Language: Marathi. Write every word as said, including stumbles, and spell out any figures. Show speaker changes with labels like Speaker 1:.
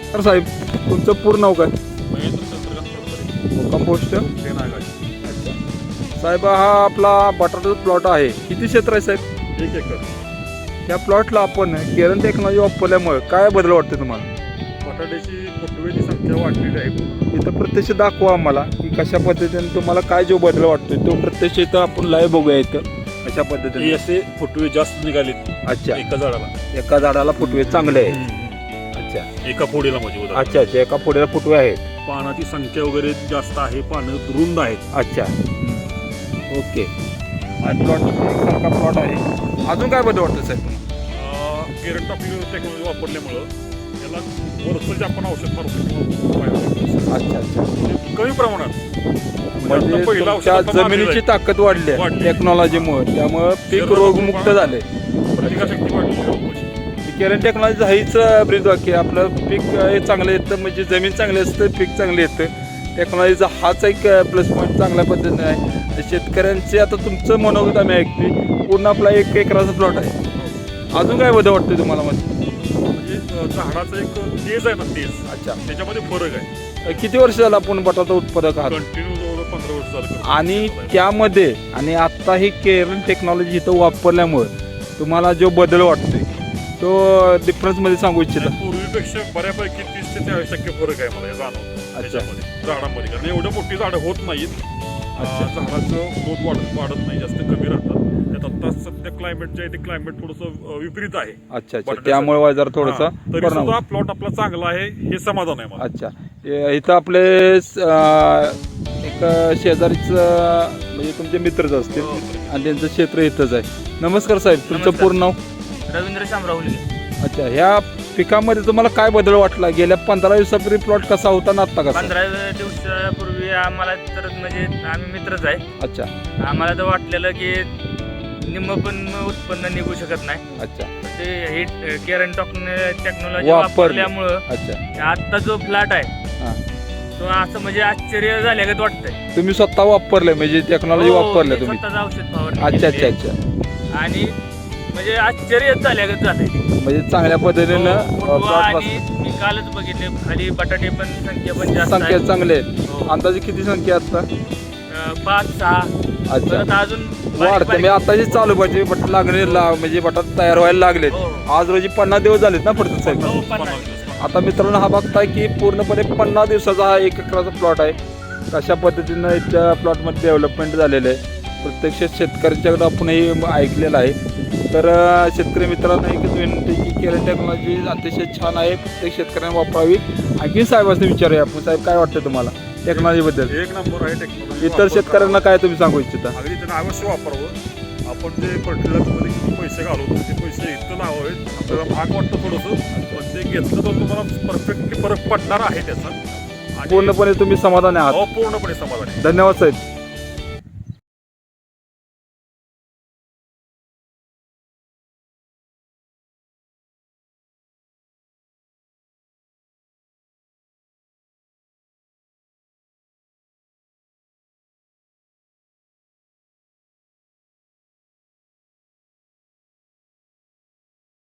Speaker 1: तर साहेब तुमचं पूर्ण नाव काय?
Speaker 2: महेंद्र चंद्रकांत फडतरे,
Speaker 1: मुक्काम पोस्ट
Speaker 2: ते नागाची.
Speaker 1: अच्छा साहेब, हा आपला बटाट्याचा प्लॉट आहे. किती क्षेत्र आहे साहेब?
Speaker 2: एक एकर.
Speaker 1: त्या प्लॉटला आपण केरन टेक्नॉलॉजी वापरल्यामुळे काय बदल वाटते तुम्हाला?
Speaker 2: बटाट्याची फुटवेची संख्या वाढलेली आहे.
Speaker 1: इथं प्रत्यक्ष दाखवा आम्हाला की कशा पद्धतीने तुम्हाला काय जो बदल वाटतोय तो प्रत्यक्ष इथं आपण लाईव्ह बघूया इथं कशा
Speaker 2: हे
Speaker 1: पद्धतीने.
Speaker 2: असे फुटवे जास्त निघालेत
Speaker 1: अच्छा,
Speaker 2: एका झाडाला.
Speaker 1: एका झाडाला फुटवे चांगले आहेत.
Speaker 2: हम्म.
Speaker 1: अच्छा
Speaker 2: एका फोडीला म्हणजे उदाहरण.
Speaker 1: अच्छा अच्छा एका फुट्याला फुटवे आहेत.
Speaker 2: पानाची संख्या वगैरे जास्त आहे, पानं रुंद आहेत.
Speaker 1: अच्छा ओके. प्लॉट एकसारखा प्लॉट आहे. अजून काय बदल वाटतं साहेब तुम्हाला?
Speaker 2: केरन टॉपिक टेक्नॉलॉजी वापरल्यामुळं याला वरचं जे आपण औषध मारतो किंवा उपाय वापरतो,
Speaker 1: अच्छा अच्छा
Speaker 2: म्हणजे कमी प्रमाणात.
Speaker 1: म्हणजे
Speaker 2: आता पहिलं औषध
Speaker 1: तुमच्या
Speaker 2: आता मारलेलं
Speaker 1: जमिनीची
Speaker 2: आहे.
Speaker 1: ताकद वाढली आहे
Speaker 2: वाढली.
Speaker 1: टेक्नॉलॉजीमुळे, त्यामुळे पीक
Speaker 2: शरीराचं
Speaker 1: रोगमुक्त
Speaker 2: प्रमाण-
Speaker 1: झाले.
Speaker 2: प्रतिकारशक्ती वाढली रोपाची.
Speaker 1: केरन टेक्नॉलॉजी हीच ब्रीज वाक्य आपलं पीक हे चांगलं येतं, म्हणजे जमीन चांगली असतं पीक चांगलं येतं. टेक्नॉलॉजीचा हाच एक प्लस पॉईंट चांगल्या पद्धतीने आहे. तर शेतकऱ्यांचे आता तुमचं मनोगत आम्ही ऐकते. पूर्ण आपला एक एकराचा प्लॉट आहे. अजून काय बदल वाटतं तुम्हाला मध्ये?
Speaker 2: म्हणजे अ, झाडाचं एक तेज आहे ना, तेज.
Speaker 1: अच्छा,
Speaker 2: त्याच्यामध्ये फरक आहे.
Speaker 1: किती वर्ष झालं आपण बटाटा उत्पादक आहात?
Speaker 2: कंटिन्यू जवळ पंधरा वर्ष झालं करतो.
Speaker 1: आणि त्यामध्ये आणि आता ही केरन टेक्नॉलॉजी इथं वापरल्यामुळे तुम्हाला जो बदल वाटतोय तो डिफरन्समध्ये सांगू इच्छिता?
Speaker 2: आणि पूर्वीपेक्षा बऱ्यापैकी तीस ते चाळीस टक्के फरक आहे मला हे जाणवतं त्याच्यामध्ये झाडांमध्ये. कारण एवढं मोठी झाडं होत नाहीत. अ,
Speaker 1: अच्छा.
Speaker 2: झाडाचं ग्रोथ वाढत वाढत नाही, जास्त कमी राहतात. त्यात आता सध्या क्लायमेट जे आहे ते क्लायमेट थोडंसं विपरीत आहे.
Speaker 1: अच्छा अच्छा,
Speaker 2: बटाट्याचं.
Speaker 1: त्यामुळे जरा थोडासा
Speaker 2: हा, तरी
Speaker 1: परिणाम
Speaker 2: सुद्धा
Speaker 1: होतो.
Speaker 2: प्लॉट आपला चांगला आहे हे समाधान आहे मला.
Speaker 1: अच्छा, ए- इथं आपले अं, एक शेजारीच म्हणजे तुमचे मित्रच असतील
Speaker 3: हो.
Speaker 1: आणि त्यांचं क्षेत्र इथंच आहे. नमस्कार साहेब, तुमचं
Speaker 3: नमस्कार.
Speaker 1: पूर्ण नाव?
Speaker 3: रवींद्र शामराव हुलगे.
Speaker 1: अच्छा, ह्या पिकामध्ये तुम्हाला काय बदल वाटला? गेल्या पंधरा दिवसापूर्वी प्लॉट कसा होता ना आता कसा?
Speaker 3: पंधरा दिवसापूर्वी आम्हाला तर म्हणजे आम्ही मित्रच आहे.
Speaker 1: अच्छा
Speaker 3: आम्हाला तर वाटलेलं की निम्म पण उत्पन्न निघू शकत नाही.
Speaker 1: अच्छा
Speaker 3: ते हे केरन टेक्नॉलॉजी
Speaker 1: वापरली.
Speaker 3: वापरल्यामुळं
Speaker 1: अच्छा
Speaker 3: आत्ता जो फ्लॅट आहे
Speaker 1: हां,
Speaker 3: तो असं म्हणजे आश्चर्य झाल्यागत वाटतंय.
Speaker 1: तुम्ही स्वतः वापरले म्हणजे टेक्नॉलॉजी
Speaker 3: हो,
Speaker 1: वापरल्या
Speaker 3: मी
Speaker 1: तुम्ही?
Speaker 3: स्वतःचं औषध फवारणी
Speaker 1: अच्छा अच्छा
Speaker 3: केली.
Speaker 1: अच्छा,
Speaker 3: आणि म्हणजे आश्चर्य झाल्यागत झालंय.
Speaker 1: म्हणजे चांगल्या पद्धतीनं
Speaker 3: हो, फुटवा
Speaker 1: प्लॉट
Speaker 3: आणि मी कालच बघितले खाली बटाटे पण संख्या पण जास्त
Speaker 1: संख्या
Speaker 3: आहे.
Speaker 1: चांगले आहेत.
Speaker 3: हो.
Speaker 1: अंदाजे किती संख्या आहे आता?
Speaker 3: अं, पाच सहा
Speaker 1: अच्छा,
Speaker 3: परत अजून बारीक-
Speaker 1: वाढते
Speaker 3: बारीक-
Speaker 1: मी आताची चालू पाहिजे बटाट लागले ला- म्हणजे बटाट तयार व्हायला लागलेत.
Speaker 3: हो.
Speaker 1: आज रोजी पन्नास दिवस झालेत ना पडतात साहेब?
Speaker 3: हो,
Speaker 2: पन्नास
Speaker 3: पन्नास.
Speaker 2: दिवस.
Speaker 1: आता मित्रांनो हा बघताय की पूर्णपणे पन्नास दिवसाचा हा एक एकराचा प्लॉट आहे. कशा पद्धतीनं इथल्या प्लॉटमध्ये डेव्हलपमेंट झालेलं आहे प्रत्यक्ष शेतकऱ्यांच्याकडे आपणही ऐकलेलं आहे. तर अं, शेतकरी मित्रांना एकच विनंती की केरन टेक्नॉलॉजी अतिशय छान आहे, प्रत्येक शेतकऱ्यांनी वापरावी. आणखी साहेबांनी विचारूया आपण, साहेब काय वाटतं तुम्हाला टेक्नॉलॉजीबद्दल?
Speaker 2: एक नंबर आहे टेक्नॉलॉजी.
Speaker 1: इतर शेतकऱ्यांना काय तुम्ही सांगू इच्छिता?
Speaker 2: अगदी त्यांना अवश्य वापरावं. आपण जे फर्टिलायझरमध्ये किती पैसे घालवतो ते पैसे इथं लावावेत. आपल्याला महाग वाटतं थोडंसं, पण ते घेतलं तर तुम्हाला परफेक्टली फरक पडणार आहे त्याचा. आणि
Speaker 1: पूर्णपणे तुम्ही समाधानी आहात?
Speaker 2: हो, पूर्णपणे समाधान आहे.
Speaker 1: धन्यवाद साहेब.